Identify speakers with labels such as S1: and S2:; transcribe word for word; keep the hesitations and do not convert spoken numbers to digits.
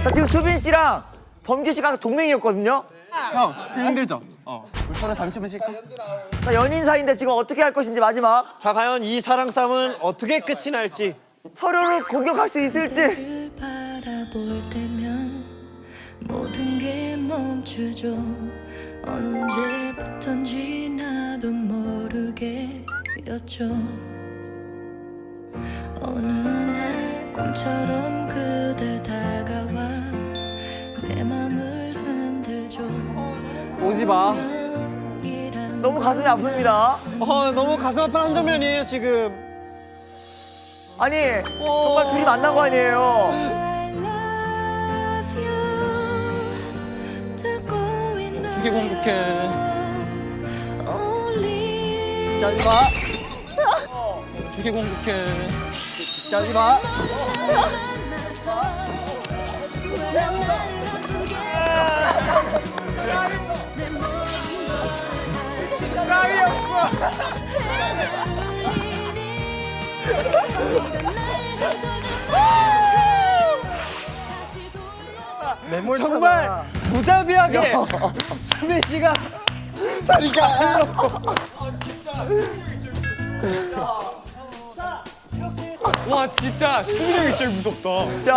S1: 자, 지금 수빈 씨랑 범규 씨가 동맹이었거든요.
S2: 형, 힘들죠? 어. 우리 서로 잠시만 쉴까?
S1: 자, 연인 사이인데 지금 어떻게 할 것인지 마지막.
S3: 자, 과연 이 사랑 싸움은 어떻게 끝이 날지.
S1: 서로를 공격할 수 있을지.
S4: 바라볼 때면 모든 게 멈추죠. 언제부턴지 나도 모르게였죠. 어느 날 꿈처럼 그대 다가와 내 맘을 흔들죠.
S2: 오지 마.
S1: 너무 가슴이 아픕니다.
S3: 어, 너무 가슴 아픈 한 장면이에요, 지금.
S1: 아니, 정말 둘이 만난 거 아니에요.
S2: 어떻게 공격해?
S1: 진짜 하지 마.
S2: 어떻게 공격해?
S1: 진짜 하지 마. 감이 없어.
S2: 메모리
S3: 정말 무자비하게 수빈 씨가
S1: 다리가.
S2: 와 진짜 수빈이 형이 제일 무섭다.